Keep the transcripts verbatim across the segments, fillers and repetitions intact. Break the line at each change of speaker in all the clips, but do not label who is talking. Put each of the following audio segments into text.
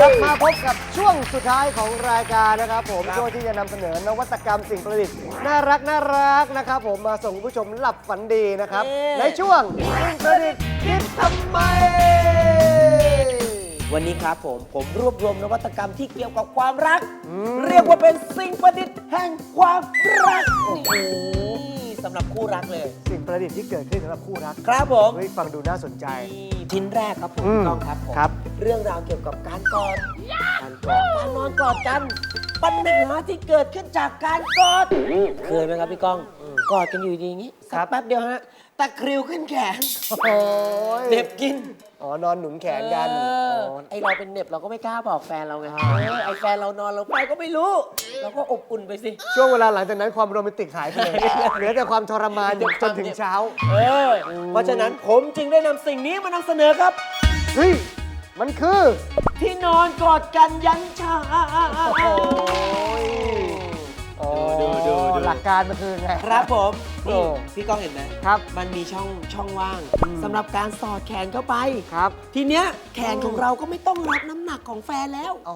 ลับมาพบกับช่วงสุดท้ายของรายการนะครับผมช่วงที่จะนำเสนอนวัตกรรมสิ่งประดิษฐ์น่ารักน่ารักนะครับผมมาส่งผู้ชมหลับฝันดีนะครับในช่วงสิ่งประดิษฐ์คิดทำไม
วันนี้ครับผมผมรวบรวมนวัตกรรมที่เกี่ยวกับความรัก เรียกว่าเป็นสิ่งประดิษฐ์แห่งความรักโอ้โหสำหรับคู่รักเลย
สิ่งประดิษฐ์ที่เกิดขึ้นสำหรับคู่รัก
ครับผม
เฮ้ยฟังดูน่าสนใจ
ชิ้นแรกครับผมต้องครับผมเรื่องราวเกี่ยวกับการกอดการกอดการนอนกอดกันปัญหาที่เกิดขึ้นจากการกอดเคยไหมครับพี่ก้องกอดกันอยู่ดีอย่างนี้สักแป๊บเดียวฮะตะคริวขึ้นแขนเน็บกิน
อ๋อนอนหนุนแขนกัน
ไอเราเป็นเน็บเราก็ไม่กล้าบอกแฟนเราไงไอแฟนเรานอนเราไปก็ไม่รู้เราก็อบอุ่นไปสิ
ช่วงเวลาหลังจากนั้นความโรแมนติกหายไปเลยเหลือแต่ความทรมานจนถึงเช้า
เออเพราะฉะนั้นผมจึงได้นำสิ่งนี้มานำเสนอครับ
เฮ้ยมันคือ
ที่นอนกอดกันยันเช้า
ดูดูดูหลักการมันคือไง
ครับผมนี่พี่ก้องเห็นไหม
ครับ
มันมีช่องช่องว่างสำหรับการสอดแขนเข้าไป
ครับ
ทีเนี้ยแขนของเราก็ไม่ต้องรับน้ำหนักของแฟนแล้ว
อ๋อ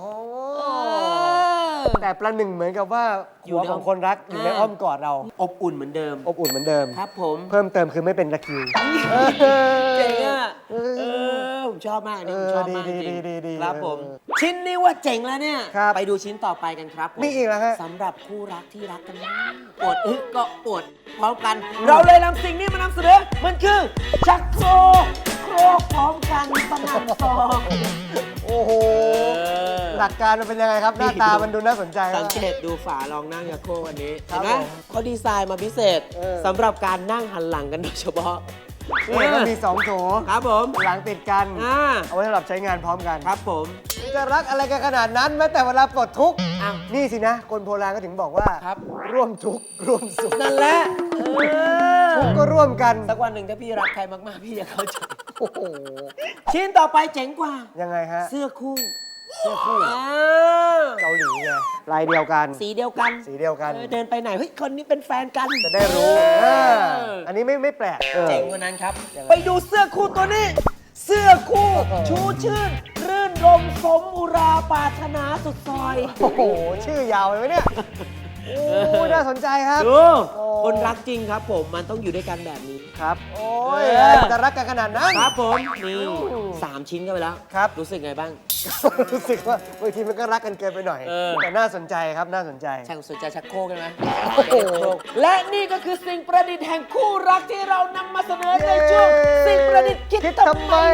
แต่ประหนึ่งเหมือนกับว่าหัวของคนรักอยู่ในอ้อมกอดเรา
อบอุ่นเหมือนเดิม
อบอุ่นเหมือนเดิม
ครับผม
เพิ่มเติมคือไม่เป็นตะคริว
เจ๋งอ่ะเออผมชอบมากนี่ผมชอบมากจริงครับผมชิ้นนี้ว่าเจ๋งแล้วเนี่ยไปดูชิ้นต่อไปกันครับ
มีอีกแล้วฮะ
สำหรับคู่รักที่รักกันปวดอึก็ปวดพร้อมกันเราเลยนำสิ่งนี้มานำเสนอมันคือชักโครกโครกพร้อมกันสนั่นซอง
โอ้โหหลักการมันเป็นยังไงครับหน้าตามันดูน่าสนใจ
สังเกตดูฝาลองนั่งชักโครกอันนี้เห็นไหมเขาดีไซน์มาพิเศษสำหรับการนั่งหันหลังกันโดยเฉพาะ
นี่มันมีสองโถ
ครับผม
หลังติดกันเอาไว้สำหรับใช้งานพร้อมกัน
ครับผม
จะรักอะไรกันขนาดนั้นแม้แต่เวลาปลดทุกข์นี่สินะคนโบราณก็ถึงบอกว่าร่วมทุกข์ร่วมสุข
นั่นแหละ
ทุกข์ก็ร่วมกัน
สักวันหนึ่งถ้าพี่รักใครมากๆพี่จะเข้าใจโอ้โหชิ้นต่อไปเจ๋งกว่า
ยังไงฮะ
เสื้อคู่
เสื้อคู่เกาหลีไงลายเดียวกัน
สีเดียวกัน
สีเดียวกัน
เดินไปไหนเฮ้ยคนนี้เป็นแฟนกัน
จะได้รู้อันนี้ไม่ไม่แปลก
เจ๋งกว่านั้นครับไปดูเสื้อคู่ตัวนี้เสื้อคู่ชูชื่นรื่นรมสมอุราปรารถนาสุดซอย
โอ้โหชื่อยาวเลยไหมเนี่ยโอ้น่าสนใจครับ
ดูคนรักจริงครับผมมันต้องอยู่ด้วยกันแบบนี้
ครับโอ้ยจะรักกันขนาดนั้น
ครับผมนี่สามชิ้นกันไปแล้ว
ครับ
รู้สึกไงบ้าง
รู้สึกว่าบางทีมันก็รักกันเกินไปหน่อยแต่น่าสนใจครับน่าสนใจ
ช่างสนใจชักโครกใช่ไหมและนี่ก็คือสิ่งประดิษฐ์แห่งคู่รักที่เรานำมาเสนอในช่วงสิ่งประดิษฐ์คิดทำไม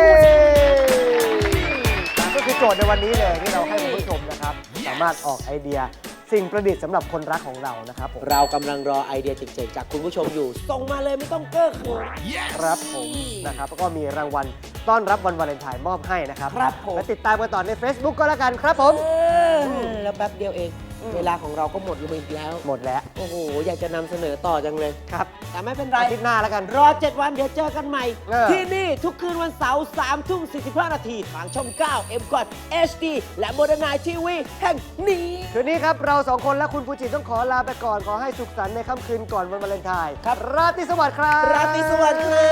ก็คือโจทย์ในวันนี้เลยที่เราให้คุณผู้ชมนะครับสามารถออกไอเดียสิ่งประดิษฐ์สำหรับคนรักของเรานะครับ
เรากำลังรอไอเดียเจ๋งๆจากคุณผู้ชมอยู่ส่งมาเลยไม่ต้องเก้อเขิน
ครับผมนะครับแล้วก็มีรางวัลต้อนรับวันวาเลนไทน์มอบให้นะครับ
ครับผม
และติดตามกันต่อใน Facebook ก็แล้วกันครับผม
แล้วแป๊บเดียวเองเวลาของเราก็หมดลงไปอีกแล้ว
หมดแล้ว
โอ้โหอยากจะนำเสนอต่อจังเลย
ครับ
แต่ไม่เป็นไร
อาทิตย์หน้าแล้วกัน
รอเจ็ดวันเดี๋ยวเจอกันใหม่ที่นี่ทุกคืนวันเสาร์สามทุ่มสี่สิบห้านาทีทางช่องเก้า เอ็ม คอท เอช ดี และโมเดิร์นไนท์ทีวีแห่งนี้
คืนนี้ครับเราสองคนและคุณฟูจิต้องขอลาไปก่อนขอให้สุขสันต์ในค่ำคืนก่อนวันวาเลนไทน์ครับราตรีสวัสดิ์ครับ
ราตรีสวัสดิ์ครับ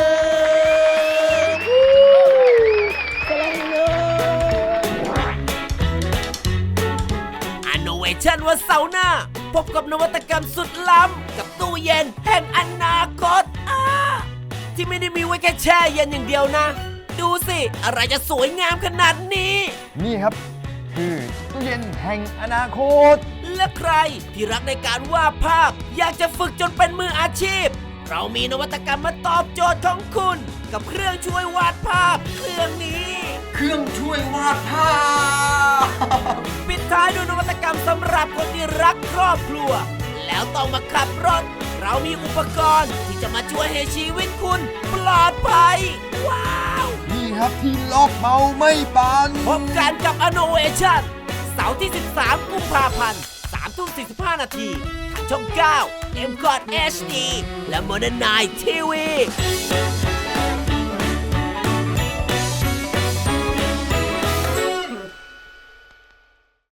ชันวันเสาร์หน้าพบกับนวัตกรรมสุดล้ำกับตู้เย็นแห่งอนาคตที่ไม่ได้มีไว้แค่แช่เย็นอย่างเดียวนะดูสิอะไรจะสวยงามขนาดนี้
นี่ครับคือตู้เย็นแห่งอนาคต
และใครที่รักในการวาดภาพอยากจะฝึกจนเป็นมืออาชีพเรามีนวัตกรรมมาตอบโจทย์ของคุณกับเครื่องช่วยวาดภาพเครื่องนี้
เครื่องช่วยวาดภาพ
ปิดท้ายด้วยนวัตกรรมสำหรับคนที่รักครอบครัวแล้วต้องมาขับรถเรามีอุปกรณ์ที่จะมาช่วยให้ชีวิตคุณปลอดภัยว้าว
นี่ครับที่ล็อกเบาไม่บาน
พบกันกับ Innovation เสาร์ที่สิบสามกุมภาพันธ์สามทุ่มสี่สิบห้านาทีทางช่องเก้า เอ็ม คอท เอช ดี และ โมเดิร์นไนท์ทีวี